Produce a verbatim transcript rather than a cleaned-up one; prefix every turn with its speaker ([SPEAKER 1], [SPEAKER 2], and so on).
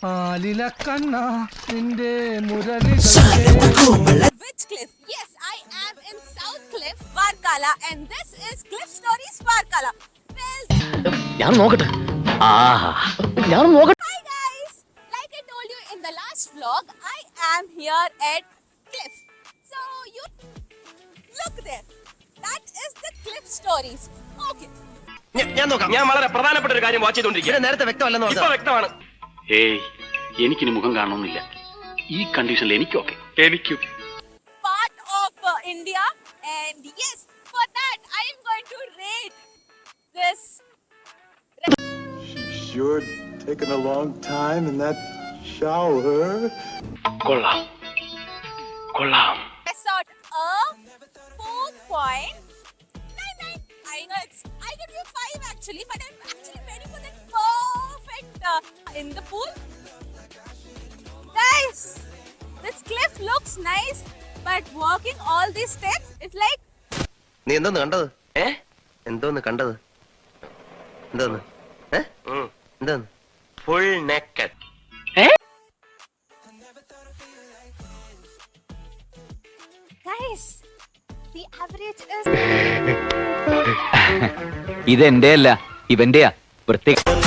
[SPEAKER 1] Which cliff? Yes, I am in South Cliff, Varkala, and this is Cliff Stories Varkala. Well,
[SPEAKER 2] ഞാൻ നോക്കട്ടെ ആഹാ ഞാൻ നോക്കട്ടെ.
[SPEAKER 1] hi guys! Like I told you in the last vlog, I am here at Cliff. So you look there. That is the Cliff Stories. Okay.
[SPEAKER 3] ഞാൻ നോക്കാം. ഞാൻ വളരെ പ്രധാനപ്പെട്ട ഒരു കാര്യം വാച്ച് ചെയ്തോണ്ടിരിക്കുക. നേരത്തെ വ്യക്തമല്ലെന്ന് പറഞ്ഞു. ഇപ്പോ വ്യക്തമാണ്.
[SPEAKER 4] ഏയ് എനിക്കിനി മുഖം കാണണമെന്നില്ല. ഈ കണ്ടീഷനിൽ എനിക്കൊക്കെ എനിക്കും
[SPEAKER 1] Part of uh, India, and yes, for that I am going to rate this.
[SPEAKER 5] She's sure taken a long time in that shower.
[SPEAKER 4] കൊള്ളാം കൊള്ളാം.
[SPEAKER 1] Resort a four point nine nine. I know it's I give you five actually, but I'm actually ready for that perfect uh, in the pool. Guys, this cliff looks nice, but walking all these steps, it's like.
[SPEAKER 3] നീ എന്തോന്ന് കണ്ടത്? ഏ എന്തോന്ന് കണ്ടത്? എന്തോന്ന്? ഏ എന്തോന്ന്? Full naked.
[SPEAKER 1] Guys, the average is.
[SPEAKER 2] ഇതെന്റെ അല്ല ഇവന്റെയാ പ്രത്യേക